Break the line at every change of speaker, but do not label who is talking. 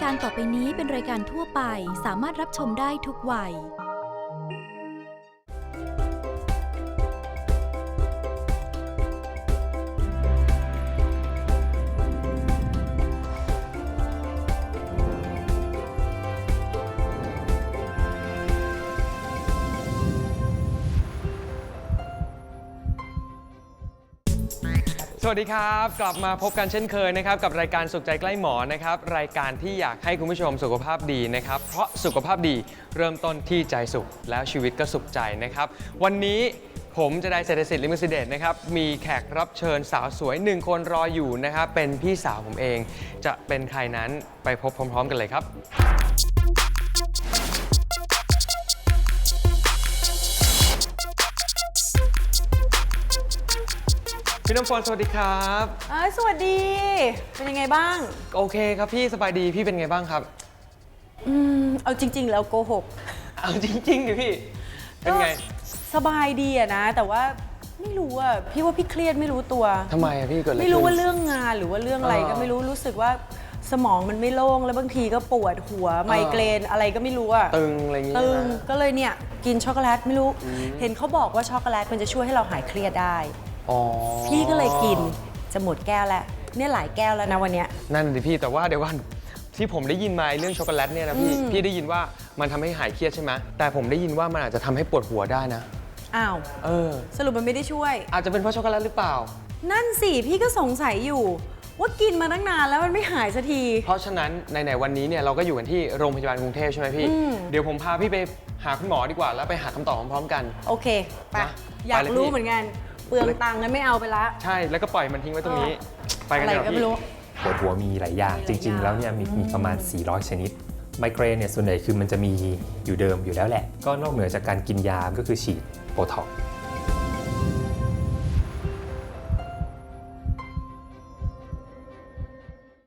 การต่อไปนี้เป็นรายการทั่วไปสามารถรับชมได้ทุกวัย
สวัสดีครับกลับมาพบกันเช่นเคยนะครับกับรายการสุขใจใกล้หมอนะครับรายการที่อยากให้คุณผู้ชมสุขภาพดีนะครับเพราะสุขภาพดีเริ่มต้นที่ใจสุขแล้วชีวิตก็สุขใจนะครับวันนี้ผมจะได้เศรษฐศิษย์ลิมซิเดตนะครับมีแขกรับเชิญสาวสวย1คนรออยู่นะครับเป็นพี่สาวผมเองจะเป็นใครนั้นไปพบพร้อมๆกันเลยครับพี่น้ำฝนสวัสดีครับ
สวัสดีเป็นยังไงบ้าง
โอเคครับพี่สบายดีพี่เป็นไงบ้างครับ
เอาจริงๆแล้วโกหก
เอาจริงๆดิพี่เป็นไง
สบายดีอะนะแต่ว่าไม่รู้อะพี่ว่าพี่เครียดไม่รู้ตัว
ทำไมอะพี่เกิดอะไร
ไม่รู้ว่าเรื่องงานหรือว่าเรื่องอะไรก็ไม่รู้สึกว่าสมองมันไม่โล่งแล้วบางทีก็ปวดหัวไมเกรนอะไรก็ไม่รู้อะ
ตึงอะไรอย่างเงี้ย
ตึงก็เลยเนี่ยกินช็อกโกแลตไม่รู้เห็นเขาบอกว่าช็อกโกแลตมันจะช่วยให้เราหายเครียดได้พี่ก็เลยกินจะหมดแก้วแล้วเนี่ยหลายแก้วแล้วนะวันเนี้ย
นั่นดิพี่แต่ว่าเดี๋ยวก่อนที่ผมได้ยินมาเรื่องช็อกโกแลตเนี่ยนะพี่ได้ยินว่ามันทำให้หายเครียดใช่ไหมแต่ผมได้ยินว่ามันอาจจะทำให้ปวดหัวได้นะ
อ้าวสรุปมันไม่ได้ช่วย
อาจจะเป็นเพราะช็อกโกแลตหรือเปล่า
นั่นสิพี่ก็สงสัยอยู่ว่ากินมาตั้งนานแล้วมันไม่หายสักที
เพราะฉะนั้นในวันนี้เนี่ยเราก็อยู่กันที่โรงพยาบาลกรุงเทพใช่ไหมพี่เดี๋ยวผมพาพี่ไปหาคุณหมอดีกว่าแล้วไปหาคำตอบพร้อมๆกัน
โอเคไปอยากรู้เหมือนกันเปลืองตังค์งั้นไม่เอาไปละ
ใช่แล้วก็ปล่อยมันทิ้งไว้ตรงนี้ไปกันเลยพี่
ปวดหัวมีหลายอย่างจริงๆแล้วเนี่ยมีประมาณ400ชนิดไมเกรนเนี่ยส่วนใหญ่คือมันจะมีอยู่เดิมอยู่แล้วแหละก็นอกเหนือจากการกินยาก็คือฉีดโบท็อกซ์